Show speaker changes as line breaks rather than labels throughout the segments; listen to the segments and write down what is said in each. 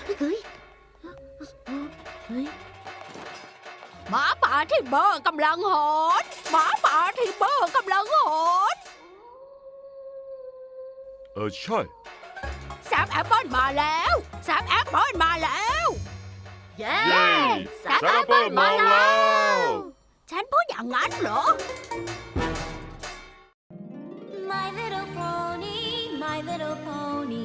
เฮ้ย
หมาป่าที่เบอร์กำลังหอนหมาป่าที่เบอร์กำลังหอน
ใช่
แซมแอปเปิลมาแล้วแซมแอปเปิลมาแล้ว
เย้
แซมแอปเปิลมาแล้ว
ฉันพูดอย่างนั้นเหรอ
My little pony, my little pony.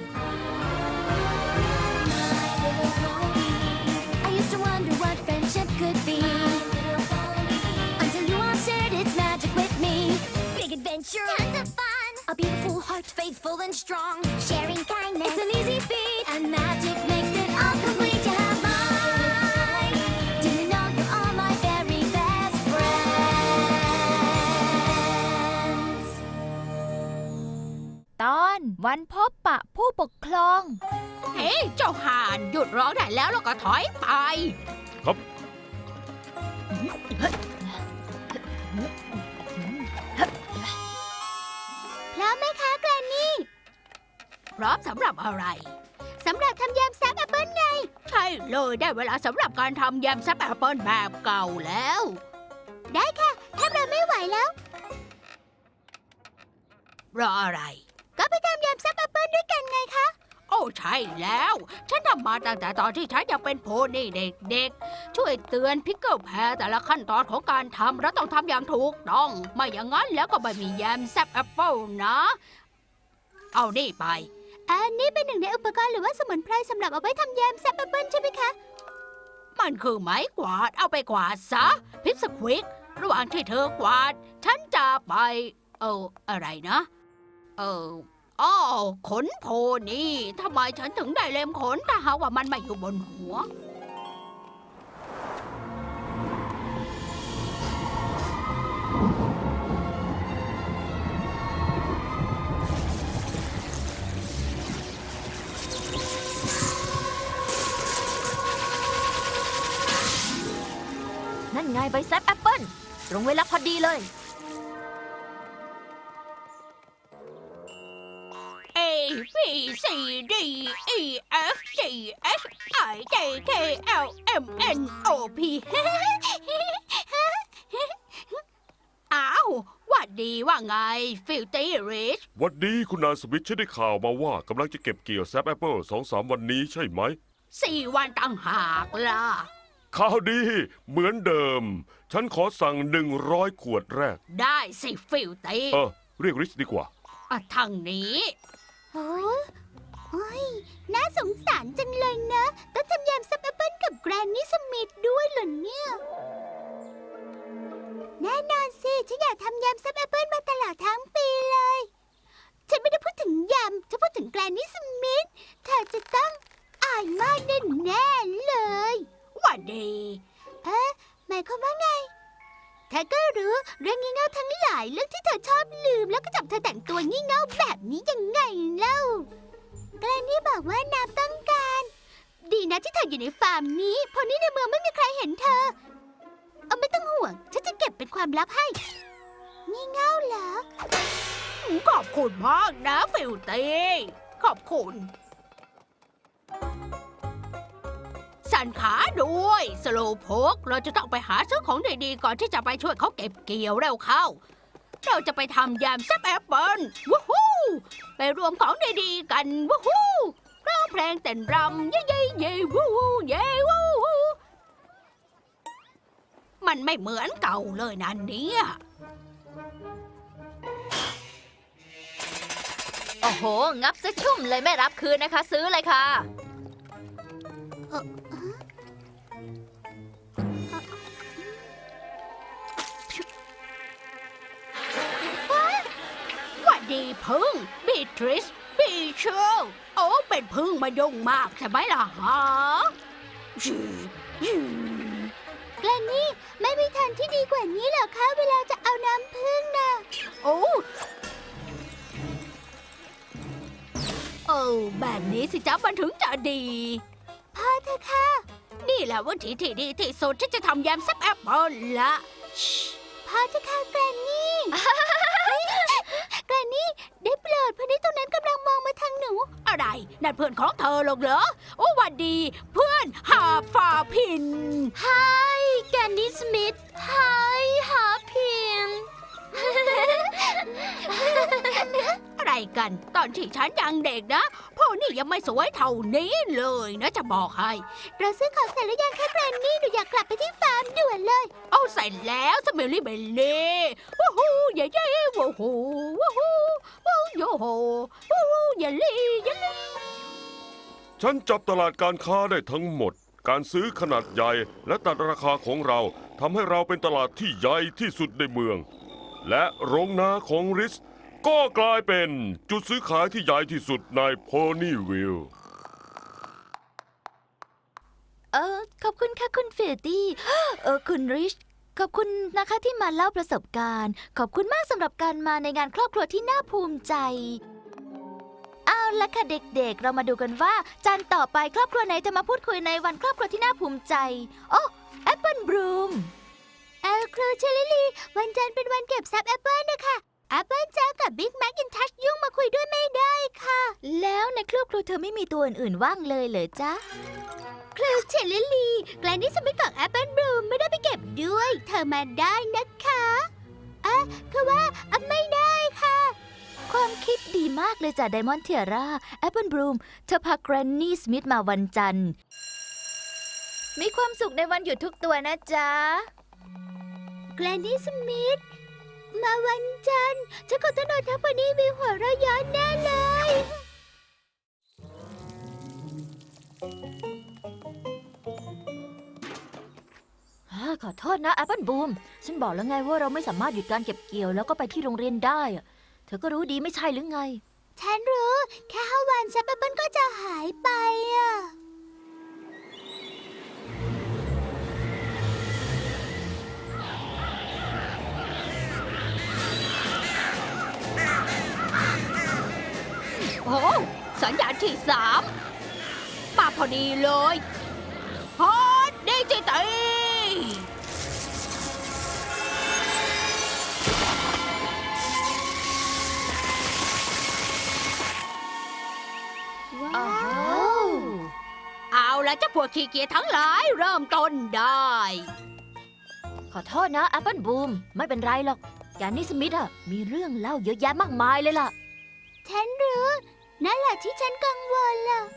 My little pony. I used to wonder what friendship could be. My little pony. Until you all shared its magic with me. Big adventure, tons of fun. A beautiful heart, faithful and strong. Sharing kindness, it's an easy feat. And magic makes it all complete. You have mine. Do you know you're all my very best friends?
ตอนวันพบปะผู้ปกครอง
เฮ้ยเจ้าห่านหยุดร้องได้แล้วก็ถอยไป
ครับ
พร้อมไหมคะแกรนนี่
พร้อมสำหรับอะไร
สำหรับทำยำแซบแอปเปิ้ลไง
ใช่เลยได้เวลาสำหรับการทำยำแซบแอปเปิลแบบเก่าแล้ว
ได้ค่ะถ้าเราไม่ไหวแล้ว
รออะไร
ก็ไปทำยำแซบแอปเปิ้ลด้วยกันไงคะ
โอ้ใช่แล้ว ฉันทำมาตั้งแต่ตอนที่ฉันยังเป็นโพนี่เด็กๆ ช่วยเตือนพิกเกิลแพรแต่ละขั้นตอนของการทำเราต้องทำอย่างถูกต้อง ไม่อย่างนั้นแล้วก็ไม่มีแยมแซบแอปเปิลนะ เอานี่ไป
อันนี้เป็นหนึ่งในอุปกรณ์หรือว่าสมุนไพรสำหรับเอาไว้ทำยำแซบแอปเปิ้ลใช่ไหมคะ
มันคือไม้กวาดเอาไปกวาดซะ พิปสควิก ระหว่างที่เธอกวาด ฉันจะไป อะไรนะ อ้อขนโพนี่ทำไมฉันถึงได้เล็มขนถ้าหากว่ามันไม่อยู่บนหัว
นั่นไงใบแซบแอปเปิ้ลตรงเวลาพอดีเลย
A B C D E F G H I J K L M N O P อ้าวหวัดดีว่าไง ฟิลตี้ริช
วันนี้คุณนายสมิธฉันได้ข่าวมาว่ากำลังจะเก็บเกี่ยวแซมแอปเปิล2-3 วันนี้ใช่ไหม
4 วันต่างหากล่ะ
ข่าวดีเหมือนเดิม ฉันขอสั่ง100 ขวดแรก
ได้สิฟิลตี้
เรียกริชดีกว่า
ทางนี้
โอ้ยน่าสงสารจังเลยนะ ต้องทำยำแซบแอปเปิ้ลกับแกรนนี่สมิธด้วยเหรอเนี่ย แน่นอนสิ ฉันอยากทำยำแซบแอปเปิ้ลมาตลอดทั้งปีเลย ฉันไม่ได้พูดถึงยำฉันพูดถึงแกรนนี่สมิธเธอจะต้องอายมากแน่ๆเลย
หวัดดี
หมายความว่าไงเธอก็รู้เรื่องงี่เง่าทั้งหลายเรื่องที่เธอชอบลืมแล้วก็จับเธอแต่งตัวงี่เง่าแบบนี้ยังไงเล่าแกรนนี่บอกว่าน้ำต้องการ ดีนะที่เธออยู่ในฟาร์มนี้เพราะนี่ในเมืองไม่มีใครเห็นเธอ เอาไม่ต้องห่วงฉันจะเก็บเป็นความลับให้งี่เง่าเหรอ
ขอบคุณมากนะฟิลตี้ขอบคุณสั่นขาด้วยสโลว์โพกเราจะต้องไปหาซื้อของดีๆก่อนที่จะไปช่วยเขาเก็บเกี่ยวเร็วเข้า เราจะไปทำยำแซบแอปเปิ้ลวู้ฮู้ไปรวมของดีๆกันวู้ฮู้ร้องเพลงเต้นรำเย่เย่เย่วู้ฮู้เย่วู้ฮู้มันไม่เหมือนเก่าเลยนะเนี่ย
โอ้โห งับซะชุ่มเลยไม่รับคืนนะคะ ซื้อเลยค่ะ
หวัดดีพึ่งบีทริสบีเชลโอ้เป็นพึ่งมายุ่งมากใช่ไหมล่ะฮะ
แกรนนี่ไม่มีทางที่ดีกว่านี้เหรอคะเวลาจะเอาน้ำผึ้งน่ะ
โอ้แบบนี้สิจ๊ะมันถึงจะดี
พอเถอะค่ะ
นี่แหละวิธีที่ดีที่สุดที่จะทำยำแซบแอปเปิ้ลละ
พอเถอะค่ะแกรนนี่ แกรนนี่ได้โปรดพอดีตรงนั้นกำลังมองมาทางหนู
อะไรนั่นเพื่อนของเธอหรอกเหรอโอ้หวันดี เพื่อนหาฝ่าพิน
Hi แกนดี้สมิธ Hi หาพิน
อะไรกันตอนที่ฉันยังเด็กนะพ่อนี่ยังไม่สวยเท่านี้เลยนะจะบอกให้เราซื้อของเสร็จแล้วยังคะแกรนนี่หนูอยากกลับไปที่ฟาร์มด่วนเลย เอาเสร็จแล้วสมิลลี่เบลลี่วู้ฮู้เย่เย่วู้ฮู้วู้ฮู้วู้โยโฮวู้ฮู้เยลลี่เยลลี่
ฉันจับตลาดการค้าได้ทั้งหมด การซื้อขนาดใหญ่และตัดราคาของเราทำให้เราเป็นตลาดที่ใหญ่ที่สุดในเมือง และโรงนาของริสก็กลายเป็นจุดซื้อขายที่ใหญ่ที่สุดในโพนี่วิลล์
ขอบคุณค่ะคุณเฟลตี้ คุณริช ขอบคุณนะคะที่มาเล่าประสบการณ์ ขอบคุณมากสำหรับการมาในงานครอบครัวที่น่าภูมิใจ เอาละค่ะเด็กๆ เรามาดูกันว่าจันทร์ต่อไปครอบครัวไหนจะมาพูดคุยในวันครอบครัวที่น่าภูมิใจ โอ้แอปเปิลบลูมครูเชลิลีวันจันทร์เป็นวันเก็บทรัพย์แอปเปิลนะคะแอปเปิลจ้ากับบิ๊กแม็กอินทัชยุ่งมาคุยด้วยไม่ได้ค่ะ แล้วในครอบครัวเธอไม่มีตัวอื่นๆว่างเลยเหรอจ๊ะ ครูเชลิลีแกลนนี่สมิธกับแอปเปิลบลูมไม่ได้ไปเก็บด้วย เธอมาได้นะคะคือว่าไม่ได้ค่ะ ความคิดดีมากเลยจ้ะไดมอนด์เทียร่าแอปเปิลบลูมเธอพาแกรนนี่สมิธมาวันจันทร์มีความสุขในวันหยุดทุกตัวนะจ๊ะแกรนนี่สมิธมาวันจันทร์ฉันคงต้องนอนทับวันนี้มีหัวเราะย้อนแน่เลยขอโทษนะแอปเปิลบูมฉันบอกแล้วไงว่าเราไม่สามารถหยุดการเก็บเกี่ยวแล้วก็ไปที่โรงเรียนได้อะเธอก็รู้ดีไม่ใช่หรือไงฉันรู้แค่5 วันแอปเปิลก็จะหายไปอะ
โอ้สัญญาณที่3มาพอดีเลยฮอตดิจิตอล
ว้าว
เอาละเจ้าพวกขี้เกียจทั้งหลายเริ่มต้นได้
ขอโทษนะแอปเปิลบูมไม่เป็นไรหรอกแกนนี่สมิธอะมีเรื่องเล่าเยอะแยะมากมายเลยล่ะฉันรู้นั่นแหละที่ฉันกังวลล่ะ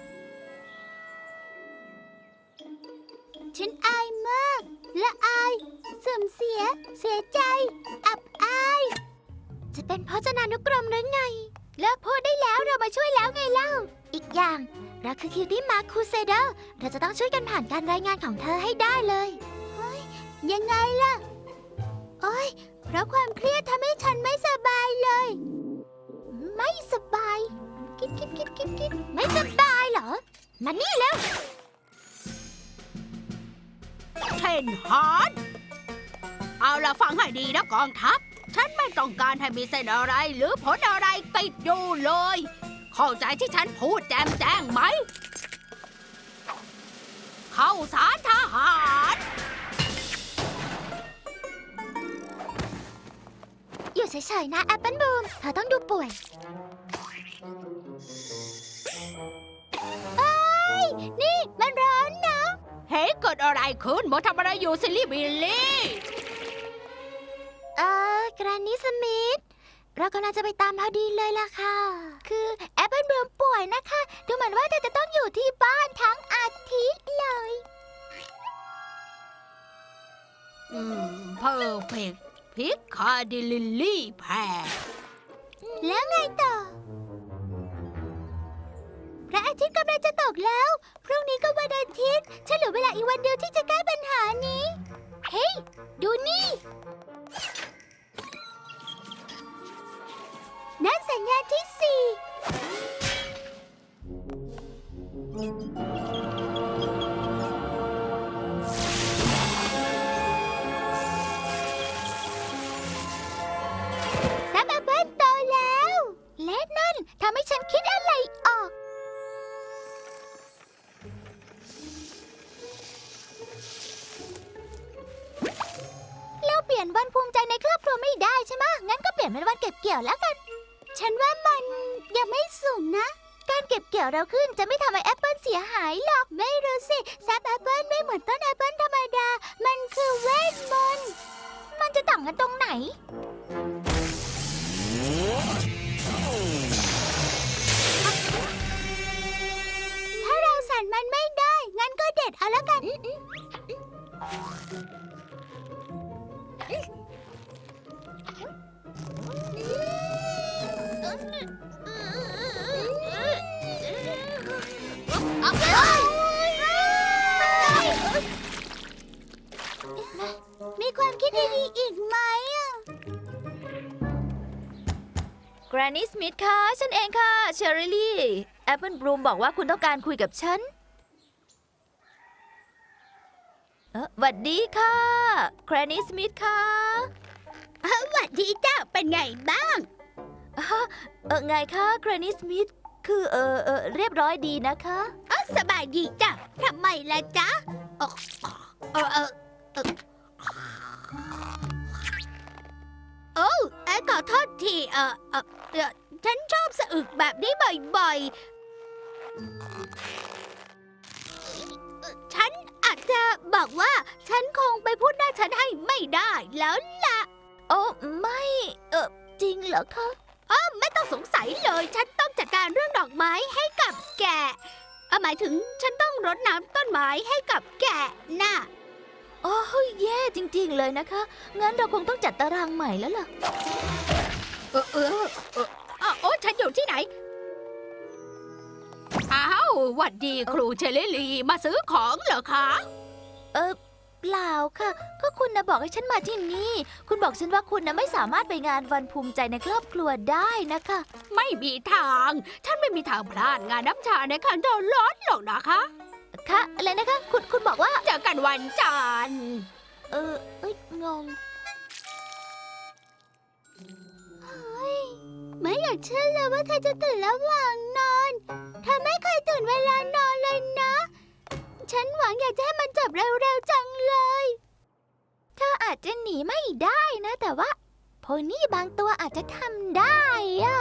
ฉันอายมากและอายเสื่อมเสียใจอับอายจะเป็นพจนานุกรมหรือไงเลิกพูดได้แล้วเรามาช่วยแล้วไงเล่าอีกอย่างเราคือคิวตี้มาร์คคูเซเดอร์เราจะต้องช่วยกันผ่านการรายงานของเธอให้ได้เลยเฮ้ยยังไงล่ะโอ้ยเพราะความเครียดทำให้ฉันไม่สบายเลยไม่สบายคิดไม่สบายเหรอมานี่แล้ว
เทนฮาร์ดเอาล่ะฟังให้ดีนะกองทัพฉันไม่ต้องการให้มีเส้นอะไรหรือผลอะไรติดอยู่เลย เข้าใจที่ฉันพูดแจ้งไหม เข้าสารทหาร
อยู่เฉยๆนะแอปเปิลบูมเธอต้องดูป่วยนี่มันร้อนนะ
เฮ้ยเกิดอะไรขึ้นโมทำอะไรอยู่ซิลลี่บิลลี่
แกรนนี่สมิธเรากำลังจะไปตามพอดีเลยล่ะค่ะ คือแอปเปิลบูมป่วยนะคะ ดูเหมือนว่าเธอจะต้องอยู่ที่บ้านทั้งอาทิตย์เลย
เพอร์เฟกพิกคาดิลิลลี่แพร
แล้วไงต่อ พระอาทิตย์กำลังจะตกแล้ว พรุ่งนี้ก็วันอาทิตย์ ฉันเหลือเวลาอีกวันเดียวที่จะแก้ปัญหานี้ เฮ้ย ดูนี่ นั่นสัญญาณที่4ซับแอปเปิ้ลโตแล้วและนั่นทำให้ฉันคิดอะไรออก เราเปลี่ยนวันภูมิใจในครอบครัวไม่ได้ใช่ไหมงั้นก็เปลี่ยนเป็นวันเก็บเกี่ยวแล้วกัน ฉันว่ามันยังไม่สูงนะ การเก็บดเราขึ้นจะไม่ทำให้แอปเปิลเสียหายหรอก ไม่รู้สิแซปแอปเปิลไม่เหมือนต้นแอปเปิลธรรมดา มันคือเวทมนต์ มันจะต่างกันตรงไหน ถ้าเราสั่นมันไม่ได้ งั้นก็เด็ดเอาละกัน มีความคิดดีๆอีกไหมแกรนนี่สมิธค่ะ ฉันเองค่ะ เชอริลี่ แอปเปิลบลูมบอกว่าคุณต้องการคุยกับฉันหวัดดีค่ะแกรนนี่สมิธค่ะหวัดดีจ้าเป็นไงบ้างไงคะแกรนนี่สมิธคือเรียบร้อยดีนะคะสบายดีจ้ะทำไมล่ะจ๊ะขอโทษทีฉันชอบสะอึกแบบนี้บ่อยๆฉันอาจจะบอกว่าฉันคงไปพูดหน้าฉันให้ไม่ได้แล้วล่ะโอ้ไม่จริงเหรอคะไม่ต้องสงสัยเลยฉันต้องจัดการเรื่องดอกไม้ให้กับแกะหมายถึงฉันต้องรดน้ำต้นไม้ให้กับแกะน่ะโอ้แย่จริงๆเลยนะคะงั้นเราคงต้องจัดตารางใหม่แล้วล่ะ
ฉันอยู่ที่ไหนอ้าวหวัดดีครูเชลลี่มาซื้อของเหรอคะ
เปล่าค่ะก็คุณนะบอกให้ฉันมาที่นี่คุณบอกฉันว่าคุณนะไม่สามารถไปงานวันภูมิใจในครอบครัวได้นะคะ
ไม่มีทางฉันไม่มีทางพลาดงานน้ำชาในคันโดนร้อนหรอกนะคะ
ค่ะอะไรนะคะคุณบอกว่า
เจอกันวันจันทร์
งงไม่อยากเชื่อเลยว่าเธอจะตื่นระหว่างนอนเธอไม่เคยตื่นเวลานอนเลยนะฉันหวังอยากจะให้มันจบเร็วๆจังเลยเธออาจจะหนีไม่ได้นะแต่ว่าโพนี่บางตัวอาจจะทำได้อะ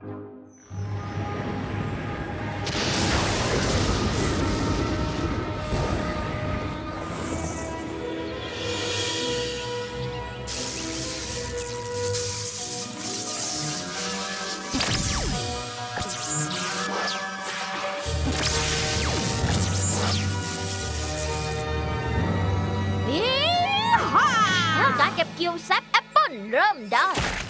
การเก็บเกี่ยวแซปแอปเปิ้ลเริ่มได้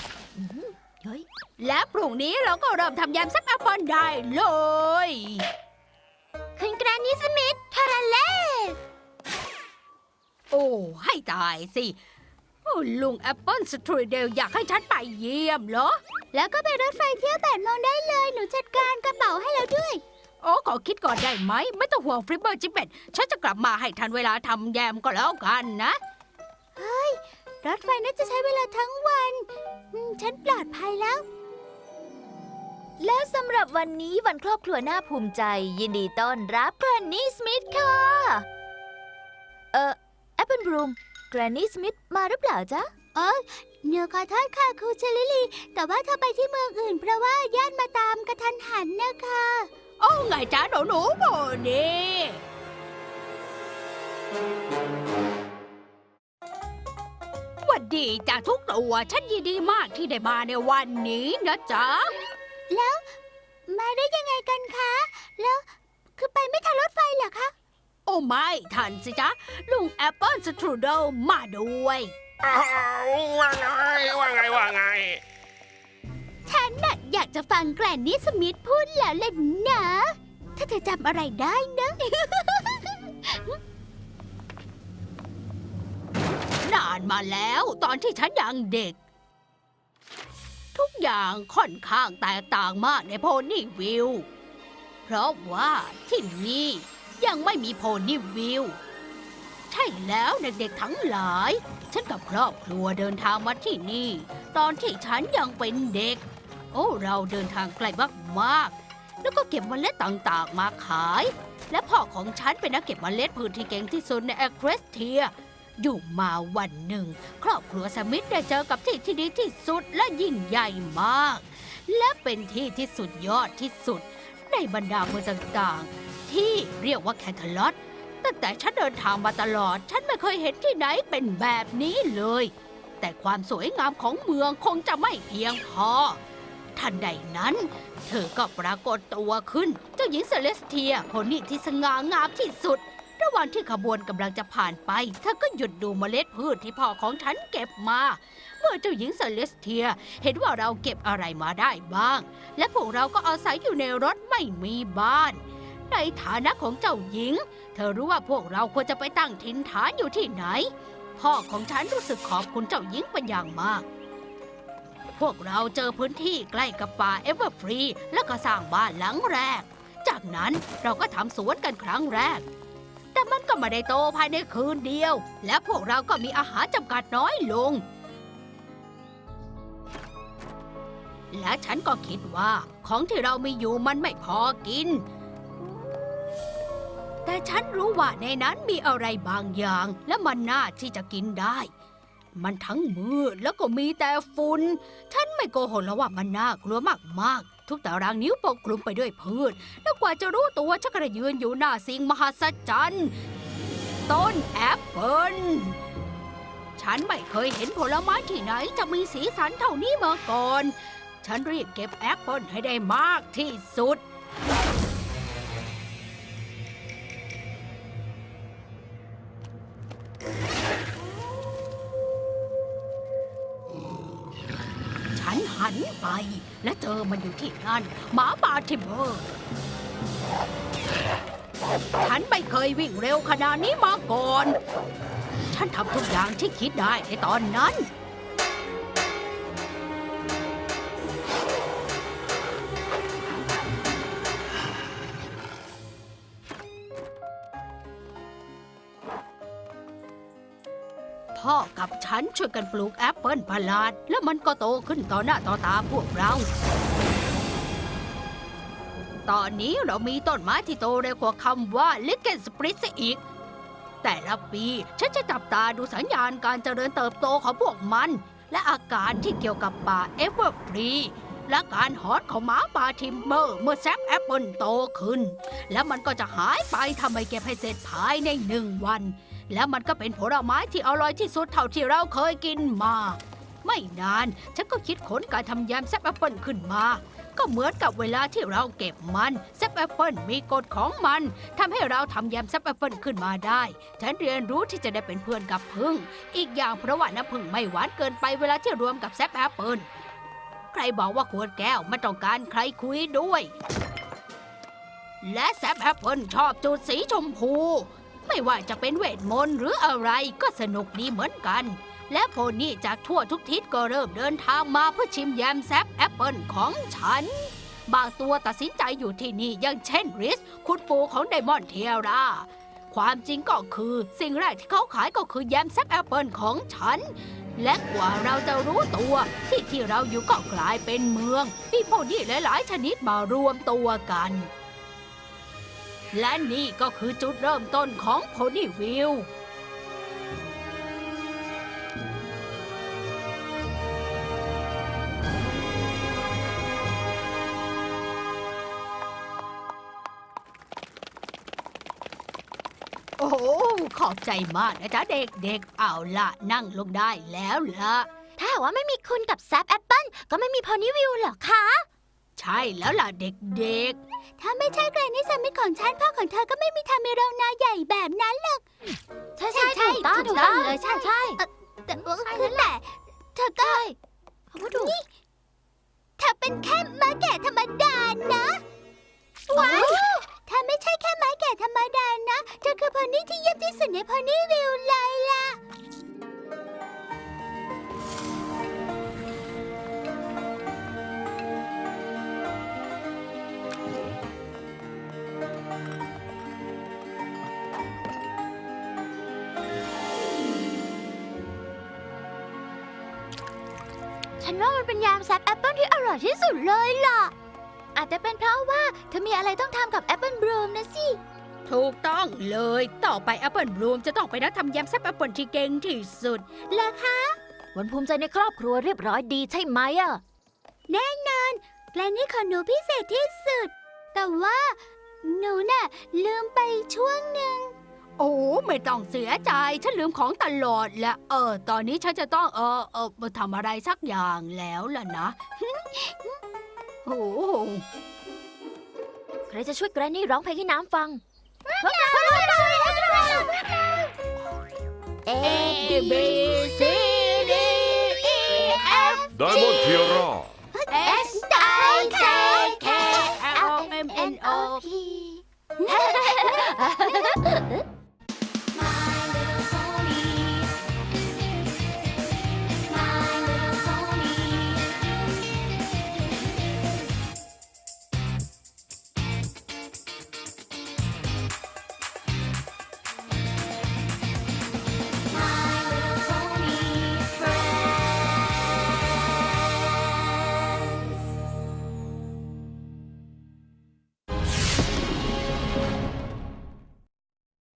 และพรุ่งนี้เราก็เริ่มทำยำแซปแอปเปิ้ลได้เลย
คุณแกรนนี่สมิธทาราเล่
โอ้ให้ตายสิลุงแอปเปิ้ลสตรูเดลอยากให้ฉันไปเยี่ยมเหรอ
แล้วก็ไปรถไฟเที่ยว8 โมงได้เลยหนูจัดการกระเป๋าให้แล้วด้วย
ขอคิดก่อนได้ไหมไม่ต้องห่วงฟริปเปอร์จิเป็ดฉันจะกลับมาให้ทันเวลาทำแยมก็แล้วกันนะ
เฮ้ยรถไฟน่าจะใช้เวลาทั้งวันฉันปลอดภัยแล้วและสำหรับวันนี้วันครอบครัวน่าภูมิใจยินดีต้อนรับแกรนนี่สมิธค่ะแอปเปิลบลูมแกรนนี่สมิธมาหรือเปล่าจ๊ะหนูขอโทษค่ะครูเชลิลี่แต่ว่าเธอไปที่เมืองอื่นเพราะว่าญาติมาตามกระทันหันนะคะ
ไงจ๊ะหนูโบนี่หวัดดีจ้ะทุกตัวฉันยินดีมากที่ได้มาในวันนี้นะจ๊ะ
แล้วมาได้ยังไงกันคะแล้วคือไปไม่ทันรถไฟเหรอคะ
ไม่ทันสิจ๊ะลุงแอปเปิลสตรูเดลมาด้วย
ว่าไง
ฉันน่ะอยากจะฟังแกรนนี่สมิธพูดแล้วเลยนะถ้าเธอจำอะไรได้นะ
นานมาแล้วตอนที่ฉันยังเด็กทุกอย่างค่อนข้างแตกต่างมากในโพนี่วิลเพราะว่าที่นี่ยังไม่มีโพนี่วิลใช่แล้วเด็กๆทั้งหลายฉันกับครอบครัวเดินทางมาที่นี่ตอนที่ฉันยังเป็นเด็กเราเดินทางไกลมากๆแล้วก็เก็บเมล็ดต่างๆมาขายและพ่อของฉันเป็นนักเก็บเมล็ดพืชที่เก่งที่สุดในแอคเรสเทียอยู่มาวันหนึ่งครอบครัวสมิธได้เจอกับที่ที่ดีที่สุดและยิ่งใหญ่มากและเป็นที่ที่สุดยอดที่สุดในในบรรดาเมืองต่างๆ ที่เรียกว่าแคนทาลอตตั้งแต่ฉันเดินทางมาตลอด ฉันไม่เคยเห็นที่ไหนเป็นแบบนี้เลย แต่ความสวยงามของเมืองคงจะไม่เพียงพอ ทันใดนั้น เธอก็ปรากฏตัวขึ้น เจ้าหญิงเซเลสเทียโพนี่ที่สง่างามที่สุด ระหว่างที่ขบวนกำลังจะผ่านไป เธอก็หยุดดูเมล็ดพืชที่พ่อของฉันเก็บมา เมื่อเจ้าหญิงเซเลสเทียเห็นว่าเราเก็บอะไรมาได้บ้าง และพวกเราก็อาศัยอยู่ในรถไม่มีบ้าน ในฐานะของเจ้าหญิง เธอรู้ว่าพวกเราควรจะไปตั้งถิ่นฐานอยู่ที่ไหน พ่อของฉันรู้สึกขอบคุณเจ้าหญิงเป็นอย่างมาก พวกเราเจอพื้นที่ใกล้กับป่าเอเวอร์ฟรีแล้วก็สร้างบ้านหลังแรก จากนั้นเราก็ทำสวนกันครั้งแรก แต่มันก็ไม่ได้โตภายในคืนเดียว และพวกเราก็มีอาหารจำกัดน้อยลง และฉันก็คิดว่าของที่เรามีอยู่มันไม่พอกิน แต่ฉันรู้ว่าในนั้นมีอะไรบางอย่างและมันน่าที่จะกินได้ มันทั้งมืดแล้วก็มีแต่ฝุ่น ฉันไม่โกหกแล้วว่ามันน่ากลัวมากๆ ทุกตารางนิ้วปกคลุมไปด้วยพืช แล้วกว่าจะรู้ตัวฉันก็ได้ยืนอยู่หน้าสิ่งมหัศจรรย์ต้นแอปเปิลฉันไม่เคยเห็นผลไม้ที่ไหนจะมีสีสันเท่านี้มาก่อน ฉันรีบเก็บแอปเปิลให้ได้มากที่สุด ฉันหันไปและเจอมันอยู่ที่นั่นหมาป่าทิมเบอร์ ฉันไม่เคยวิ่งเร็วขนาดนี้มาก่อน ฉันทำทุกอย่างที่คิดได้ในตอนนั้น พ่อกับฉันช่วยกันปลูกแอปเปิลประหลาด แล้วมันก็โตขึ้นต่อหน้าต่อตาพวกเรา ตอนนี้เรามีต้นไม้ที่โตเร็วกว่าคำว่าลิเกนสปริตอีก แต่ละปีฉันจะจับตาดูสัญญาณการเจริญเติบโตของพวกมัน และอาการที่เกี่ยวกับป่าเอเวอร์ฟรีและการหอนของหมาป่าทิมเบอร์เมื่อแซปแอปเปิลโตขึ้น แล้วมันก็จะหายไปทำไมเก็บให้เสร็จภายใน1 วัน แล้วมันก็เป็นผลไม้ที่อร่อยที่สุดเท่าที่เราเคยกินมา ไม่นานฉันก็คิดค้นการทำแยมแซปแอปเปิลขึ้นมา ก็เหมือนกับเวลาที่เราเก็บมันแซปแอปเปิลมีกฎของมันทำให้เราทำแยมแซปแอปเปิลขึ้นมาได้ ฉันเรียนรู้ที่จะได้เป็นเพื่อนกับผึ้งอีกอย่างเพราะว่าน้ำผึ้งไม่หวานเกินไปเวลาที่รวมกับแซปแอปเปิลใครบอกว่าขวดแก้วไม่ต้องการใครคุยด้วย และแซปแอปเปิลชอบจุดสีชมพูไม่ว่าจะเป็นเวทมนต์หรืออะไรก็สนุกดีเหมือนกัน และโพนี่จากทั่วทุกทิศก็เริ่มเดินทางมาเพื่อชิมแยมแซปแอปเปิลของฉัน บางตัวตัดสินใจอยู่ที่นี่อย่างเช่นริสคุณปู่ของไดมอนด์เทียร่าความจริงก็คือสิ่งแรกที่เขาขายก็คือแยมแซปแอปเปิลของฉัน และกว่าเราจะรู้ตัวที่เราอยู่ก็กลายเป็นเมืองมีโพนี่หลายๆชนิดมารวมตัวกัน และนี่ก็คือจุดเริ่มต้นของโพนี่วิลล์ โอ้โหขอบใจมากนะจ๊ะเด็กๆ เอาล่ะนั่งลงได้แล้วล่ะ
ถ้าหากว่าไม่มีคุณกับแซปแอปเปิลก็ไม่มีพอนี่วิวหรอคะ
ใช่แล้วล่ะเด็ก
ถ้าไม่ใช่แกรนนี่สมิธของฉันพ่อของเธอก็ไม่มีทางมีโรงนาใหญ่แบบนั้นหรอกใช่ถูกต้องเลยใช่แต่คือแหละเธอก็นี่เธอเป็นแค่ม้าแก่ธรรมดานะว้าวเธอไม่ใช่แค่ม้าแก่ธรรมดานะเธอคือพอนี่ที่เยี่ยมที่สุดในพอนี่วิวเลยล่ะ ฉันว่ามันเป็นยามแซปแอปเปิลที่อร่อยที่สุดเลยล่ะ อาจจะเป็นเพราะว่าเธอมีอะไรต้องทำกับแอปเปิลบลูมนะสิ
ๆ ถูกต้องเลยต่อไปแอปเปิลบลูมจะต้องไปนัดทำแยมแซปแอปเปิลที่เก่งที่สุด
เหรอคะ วันภูมิใจในครอบครัวเรียบร้อยดีใช่ไหมอะแน่นอนแกลนนี่ของหนูพิเศษที่สุด
แต่ว่าหนูน่ะลืมไปช่วงหนึ่ง
โอ้ไม่ต้องเสียใจ ฉันลืมของตลอดและตอนนี้ฉันจะต้องมาทำอะไรสักอย่างแล้วล่ะนะ โอ้
ใครจะช่วยแกรนนี่ร้องเพลงให้น้ำฟัง A
B C D E F
ไดมอนด์เทียร่า
S I J K L M N O
P